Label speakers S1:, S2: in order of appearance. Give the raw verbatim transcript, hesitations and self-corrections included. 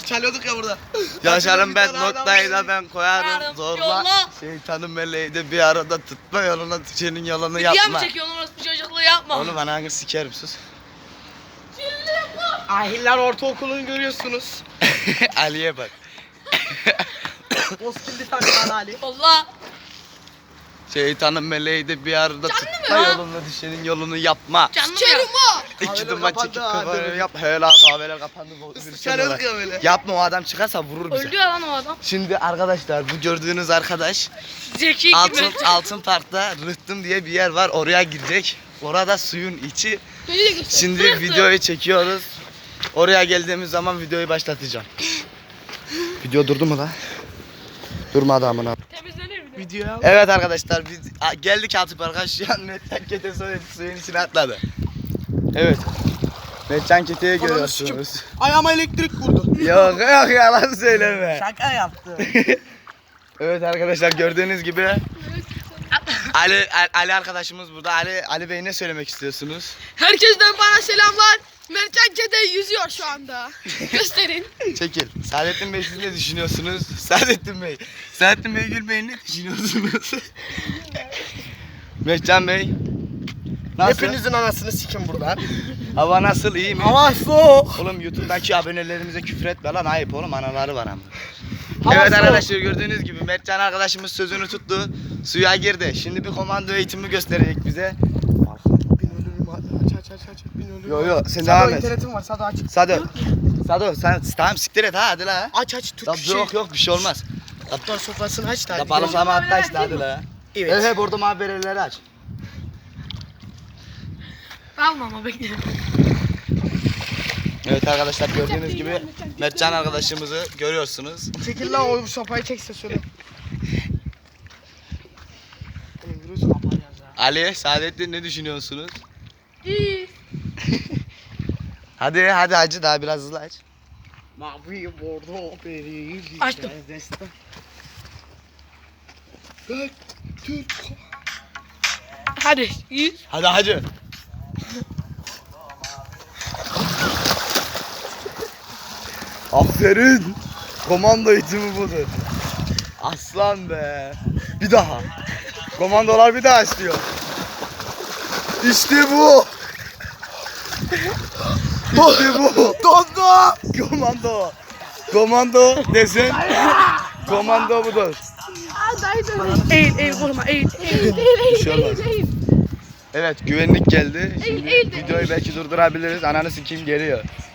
S1: çalıyorduk ya burada.
S2: Yaşarım ben
S1: Bir tane
S2: noktayı
S1: adam
S2: da ben koyarım
S3: Yarım
S2: zorla.
S3: yolla.
S2: Şeytanın meleği de bir arada tutma yoluna düşenin yolunu
S3: Video
S2: yapma.
S3: mu çekiyorsun orası bir çocukluğu yapma.
S2: Onu bana hangi sikerim sus.
S1: Ahiller Ortaokulu'nu görüyorsunuz.
S2: Ali'ye bak.
S1: Bozkirli takılan Ali.
S3: Allah.
S2: Şeytanın meleği de bir arada
S3: Canlı
S2: tutma
S3: mı ya?
S2: yoluna düşenin yolunu yapma.
S3: Canlı mı ya?
S2: İki
S1: Kahveler
S2: duman
S1: kapandı
S2: çekip
S1: ha,
S2: kafanı
S1: dedim.
S2: yap. Hele kahveler kapandı. bu- bir şey
S1: Çalıyorduk
S2: var.
S1: ya böyle.
S2: Yapma o adam çıkarsa vurur bize.
S3: Öldü ya lan o adam.
S2: Şimdi arkadaşlar bu gördüğünüz arkadaş
S3: Zeki
S2: altın
S3: gibi.
S2: altın parkta Rıhtım diye bir yer var oraya girecek. Orada suyun içi.
S3: Beni de göster.
S2: Şimdi videoyu çekiyoruz. Oraya geldiğimiz zaman videoyu başlatacağım. Video durdu mu la? Durmadı amına.
S3: Temizlenir mi?
S1: Videoya.
S2: Evet arkadaşlar biz a, geldik altı parka şu an Metcan Kete suyun, suyun içine atladı. Evet. Metcan Kete'yi
S1: Ananı
S2: görüyorsunuz.
S1: Ayağıma elektrik vurdu.
S2: Yok yok yalan söyleme.
S1: Şaka yaptı.
S2: Evet arkadaşlar gördüğünüz gibi Ali Ali arkadaşımız burada. Ali Ali Bey ne söylemek istiyorsunuz?
S3: Herkesten bana selamlar. Mertcan Kede yüzüyor şu anda. Gösterin.
S2: Çekil. Saadettin Bey siz ne düşünüyorsunuz? Saadettin Bey. Saadettin Bey Gül Bey ne düşünüyorsunuz? Mehcan Bey. Nasıl?
S1: Hepinizin anasını sikin buradan.
S2: Hava nasıl, iyi mi?
S1: Hava soğuk.
S2: Oğlum YouTube'daki abonelerimize küfür etme lan, ayıp oğlum, anaları var ama.
S1: Hava
S2: Evet
S1: soğuk.
S2: arkadaşlar gördüğünüz gibi Mertcan arkadaşımız sözünü tuttu. Suya girdi. Şimdi bir komando eğitimi gösterecek bize.
S1: Bin ölürüm hadi. Aç aç aç aç. Bin ölürüm.
S2: Yo yo sen
S1: Sado
S2: devam et.
S1: internetim var. Sado aç.
S2: Sado. Sado sen tamam siktir et ha hadi la.
S1: Aç aç. Türk
S2: Ya,
S1: şey.
S2: yok yok bir şey olmaz.
S1: Kaptan sofrasını aç da.
S2: Ya
S1: hadi.
S2: balıklama atla işte hadi la.
S1: Evet.
S2: Evet hep orada mavi aç.
S3: Alma ama bekle.
S2: Evet arkadaşlar gördüğünüz gibi Mertcan arkadaşımızı görüyorsunuz.
S1: Çekil lan o sopayı çekse söyle. Oğlum virüs kapan ya.
S2: Ali, Saadettin ne düşünüyorsunuz?
S3: İyi.
S2: Hadi hadi hacı daha biraz hızlı aç.
S1: Mavi bordo beri.
S3: Açtım.
S1: Türk.
S3: Hadi. İyi.
S2: Hadi hacı. Aferin. Komando eğitimi budur. Aslan be. Bir daha. Komandolar bir daha istiyor. İşte bu. İşte bu.
S1: Dondu.
S2: Komando. Komando desin. Komando budur.
S3: Eğil eğil vurma eğil. Eğil eğil
S2: Bir şey olmaz. Evet güvenlik geldi. Şimdi
S3: eğil, eğil.
S2: videoyu belki durdurabiliriz. Ananı sikeyim geliyor.